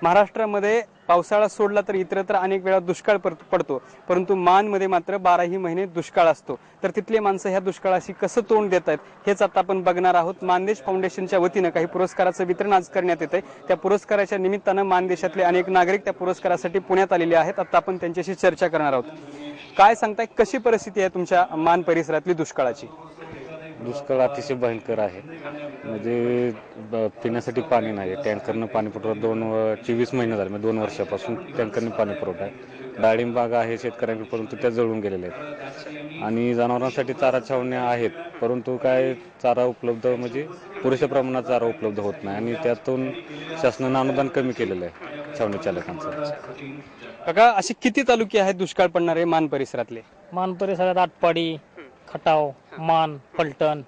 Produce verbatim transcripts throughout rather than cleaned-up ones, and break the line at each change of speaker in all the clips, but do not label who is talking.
महाराष्ट्रामध्ये पावसाळा सोडला तर इतरत्र अनेक वेळा दुष्काळ पडतो, परंतु मानमध्ये मात्र बाराही महिने दुष्काळ असतो। तर तिथले माणसं ह्या दुष्काळाशी कसं तोंड देत आहेत हेच आता आपण बघणार आहोत। मानदेश फाउंडेशनच्या वतीनं काही पुरस्काराचं वितरण आज करण्यात येतंय। त्या पुरस्काराच्या निमित्तानं मानदेशातले अनेक नागरिक त्या पुरस्कारासाठी पुण्यात आलेले आहेत। आता आपण त्यांच्याशी चर्चा करणार आहोत। काय सांगताय, कशी परिस्थिती आहे तुमच्या मान परिसरातली दुष्काळाची?
दुष्काळ अतिशय भयंकर आहे। म्हणजे पिण्यासाठी पाणी नाही, टँकरनं पाणी पुरवठा दोन चोवीस महिने झाले, म्हणजे दोन वर्षापासून टँकरने पाणी पुरवठा आहे। डाळिंब बागा आहे शेतकऱ्यांकडे, परंतु त्या जळून गेलेल्या आहेत। आणि जनावरांसाठी चारा छावण्या आहेत, परंतु काय चारा उपलब्ध म्हणजे पुरेशा प्रमाणात चारा उपलब्ध होत नाही आणि त्यातून शासनानं अनुदान कमी केलेलं आहे छावणी चालकांचं।
काका, असे किती तालुके आहेत दुष्काळ पडणारे मान परिसरातले?
मान परिसरात आटपाडी, खटाव, मान, पलटण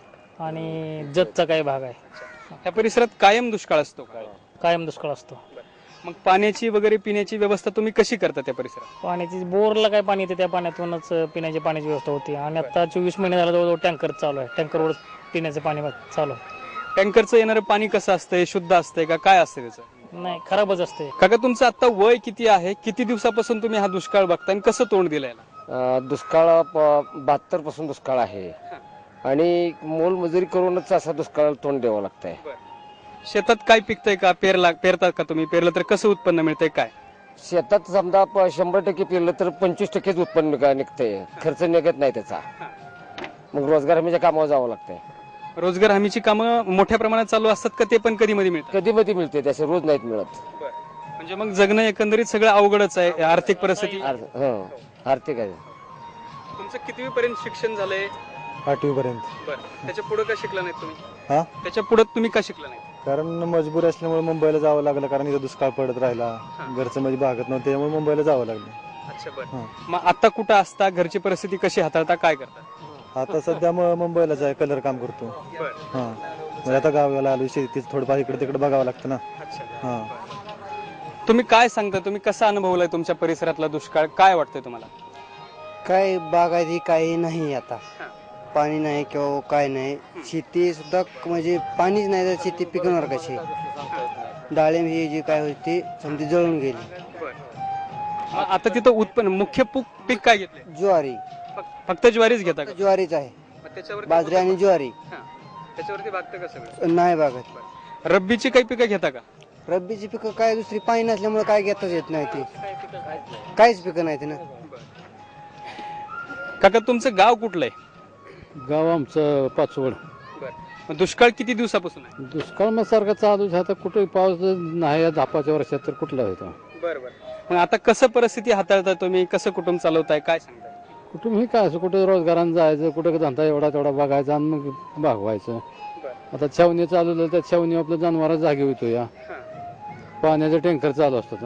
आणि जतचा काही भाग आहे।
त्या परिसरात कायम दुष्काळ असतो?
कायम दुष्काळ असतो।
मग पाण्याची वगैरे पिण्याची व्यवस्था तुम्ही कशी करता त्या परिसरात?
पाण्याची बोरला काय पाणी येते त्या पाण्यातूनच पिण्याची पाण्याची व्यवस्था होती। आणि आता चोवीस महिने झाला जवळजवळ टँकर चालू आहे, टँकरवर पिण्याचं पाणी चालू आहे।
टँकरचं येणारं पाणी कसं असतंय, शुद्ध असतंय का, काय असतं त्याचं?
नाही, खराबच असते।
काका, तुमचं आता वय किती आहे? किती दिवसापासून तुम्ही हा दुष्काळ बघताय आणि कसं तोंड दिलंय?
दुष्काळ बहात्तर पासून दुष्काळ आहे आणि मोलमजुरी करूनच असा दुष्काळ तोंड द्यावं लागतंय।
शेतात काय पिकतंय का? पेरला पेरतात का तुम्ही? पेरलं तर कसं उत्पन्न मिळतंय काय?
शेतात समजा शंभर टक्के पेरलं तर पंचवीस टक्केच उत्पन्न निघतंय, खर्च निघत नाही त्याचा। मग रोजगार हमीच्या कामावर जावं लागतंय।
रोजगार हमीची कामं मोठ्या प्रमाणात चालू असतात का ते पण कधी मध्ये मिळतात?
कधी मध्ये मिळते, त्याचे रोज नाहीत मिळत।
म्हणजे मग जगणं एकंदरीत सगळं अवघडच आहे, आर्थिक परिस्थिती।
आर्थिक आहे।
तुमचं कितवी पर्यंत शिक्षण झालंय?
आठवी पर्यंत।
बरं, त्याच्या पुढे का शिकला नाही तुम्ही?
हा,
त्याच्या पुढे तुम्ही का शिकला नाही?
कारण मजबूरी असल्यामुळे मुंबईला जावं लागलं, कारण इथं दुष्काळ पडत राहिला, घरचं म्हणजे भागत नव्हतं, त्यामुळे मुंबईला जावं लागलं।
अच्छा, बरं। मग आता कुठं असता? घरची परिस्थिती कशी हाताळता, काय करता?
आता सध्या मुंबईलाच आहे, कलर काम करतो। हा, म्हणजे आता गावाला आलो, शेतीच थोडंफार इकडे तिकडे बघावं लागतं ना। हा,
तुम्ही काय सांगता, तुम्ही कसा अनुभवलाय तुमच्या परिसरातला दुष्काळ? काय वाटतंय तुम्हाला?
काय बागायती काही नाही, आता पाणी नाही किंवा काय नाही, शेती सुद्धा म्हणजे पाणीच नाही तर शेती पिकणार कशी? डाळिंब ही जी काय होती समजी जळून गेली।
आता तिथं उत्पन्न मुख्य पीक काय घेतले?
ज्वारी।
फक्त ज्वारीच घेता का?
ज्वारीच आहे, बाजरी आणि ज्वारी।
त्याच्यावरती भागतं का सगळं?
नाही भागत।
रब्बीची काही पिकं घेता का?
रब्बीची पिकं काय दुसरी पाणी नसल्यामुळे काय घेताच येत नाही, ती काहीच पिकं नाही ना।
काका, तुमचं गाव कुठलं आहे?
गाव आमचं पाचवड।
बरं, दुष्काळ किती दिवसापासून आहे?
दुष्काळ मग सारखा चालू आहे, आता कुठे पाऊस नाही झापाच्या वर्षात तर कुठला होता?
बरं बरं, मग आता कसं परिस्थिती हाताळता तुम्ही, कसं कुटुंब चालवताय, काय सांगताय?
कुठून हे काय असं कुठे रोजगारानं जायचं, कुठे धंदा एवढा तेवढा बघायचा आणि मग भागवायचं। आता छावणी चालू झालं, त्या छावणी आपलं जनावर जागे होतो, या पाण्याचा टँकर चालू असतो।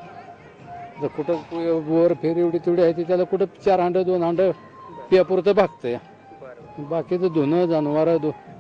तर कुठं वर फेर एवढी तेवढी आहे, त्याला कुठं चार हांड दोन हांड पियापुरतं भागतंय, बाकीचं धुणं जनावर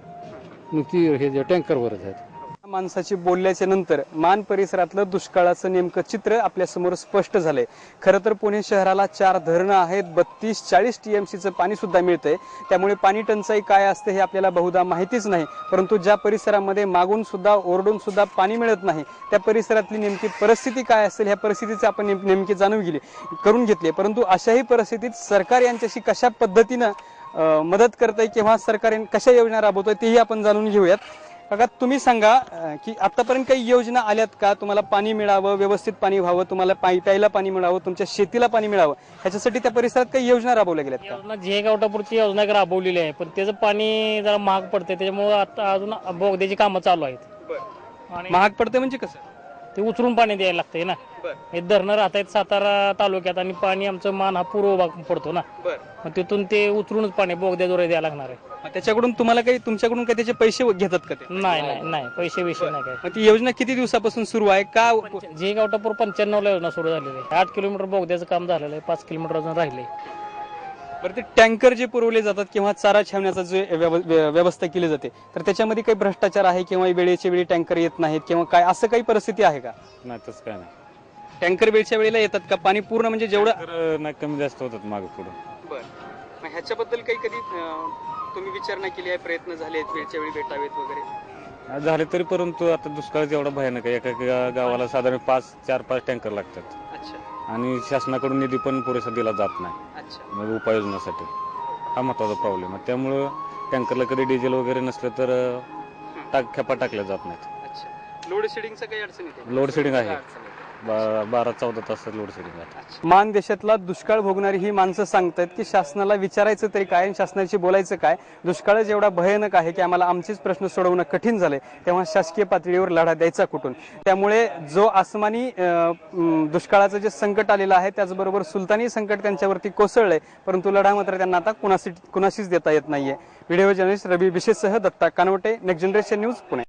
ती हे जे टँकरवरच आहेत।
माणसाची बोलल्याच्या नंतर मान परिसरातलं दुष्काळाचं नेमकं चित्र आपल्या समोर स्पष्ट झालंय। खरं तर पुणे शहराला चार धरणं आहेत, बत्तीस चाळीस टीएमसीचं पाणी सुद्धा मिळतंय, त्यामुळे पाणी टंचाई काय असते हे आपल्याला बहुधा माहितीच नाही। परंतु ज्या परिसरामध्ये मागून सुद्धा ओरडून सुद्धा पाणी मिळत नाही, त्या परिसरातली नेमकी परिस्थिती काय असेल ह्या परिस्थितीची आपण नेमकी जाणून गेली करून घेतली। परंतु अशाही परिस्थितीत सरकार यांच्याशी कशा पद्धतीनं मदत करतंय किंवा सरकार कशा योजना राबवतोय तेही आपण जाणून घेऊयात। काका, तुम्ही सांगा की आतापर्यंत काही योजना आल्यात का? तुम्हाला पाणी मिळावं, व्यवस्थित पाणी व्हावं, तुम्हाला प्यायला पाणी मिळावं, तुमच्या शेतीला पाणी मिळावं, ह्याच्यासाठी त्या परिसरात काही योजना राबवल्या गेल्यात का?
योजना जे गावठापुरची योजना राबवलेली आहे, पण त्याचं पाणी जरा महाग पडते, त्याच्यामुळे आता अजून बोगद्याची कामं चालू आहेत। आणि
महाग पडते म्हणजे कसं?
ते उचलून पाणी द्यायला लागतंय ना। हे धरणं राहत आहेत सातारा तालुक्यात आणि पाणी आमचं मान हा पूर्व भाग पडतो ना, मग तिथून ते उचलूनच पाणी बोगद्याद्वारे द्यायला लागणार आहे।
त्याच्याकडून तुम्हाला काही तुमच्याकडून काही त्याचे पैसे घेतात का ते?
नाही नाही नाही, पैसे विषय नाही काय।
मग ती योजना किती दिवसापासून सुरू आहे का?
जे गावठापूर पंच्याण्णव ला योजना सुरू झालेली आहे, आठ किलोमीटर बोगद्याचं काम झालेलं आहे, पाच किलोमीटर अजून राहिले।
बरं, ते टँकर जे पुरवले जातात किंवा चारा छावण्याचा जे व्यवस्था केली जाते, तर त्याच्यामध्ये काही भ्रष्टाचार आहे किंवा वेळेच्या वेळी टँकर येत नाहीत किंवा काय असं काही परिस्थिती आहे का?
नाही, तसं काय नाही।
टँकर वेळच्या वेळेला येतात का? पाणी पूर्ण म्हणजे जेवढं
नाही, कमी जास्त होतात मागे पुढे।
बरं, मग ह्याच्याबद्दल काही कधी तुम्ही विचारणा केली आहे, प्रयत्न झाले आहेत वेळच्या वेळी भेटावेत वगैरे?
झाले तरी परंतु आता दुष्काळ एवढा भयानक आहे. एका एका गावाला साधारण पाच चार पाच टँकर लागतात आणि शासनाकडून निधी पण पुरेसा दिला जात नाही म्हणजे उपाययोजनासाठी. हा महत्वाचा प्रॉब्लेम आहे. त्यामुळं टँकरला कधी डिझेल वगैरे नसलं तर टाक खेपा टाकल्या जात नाहीत.
लोड शेडिंगचं काही अडचण येते?
लोड शेडिंग आहे. बा- बारा चौदा तास लोड शेडिंग आहे.
मान देशातला दुष्काळ भोगणारी ही माणसं सांगतायत की शासनाला विचारायचं तरी काय आणि शासनाशी बोलायचं काय. दुष्काळच एवढा भयानक आहे की आम्हाला आमचेच प्रश्न सोडवणं कठीण झाले, तेव्हा शासकीय पातळीवर लढा द्यायचा कुठून. त्यामुळे जो आसमानी अं, दुष्काळाचं जे संकट आलेलं आहे त्याचबरोबर सुलतानी संकट त्यांच्यावरती कोसळलंय, परंतु लढा मात्र त्यांना आता कुणाशी कुणाशीच देता येत नाहीये. व्हिडिओ जर्नलिस्ट रवी विशेषसह Datta Kanwate, next generation news, Pune.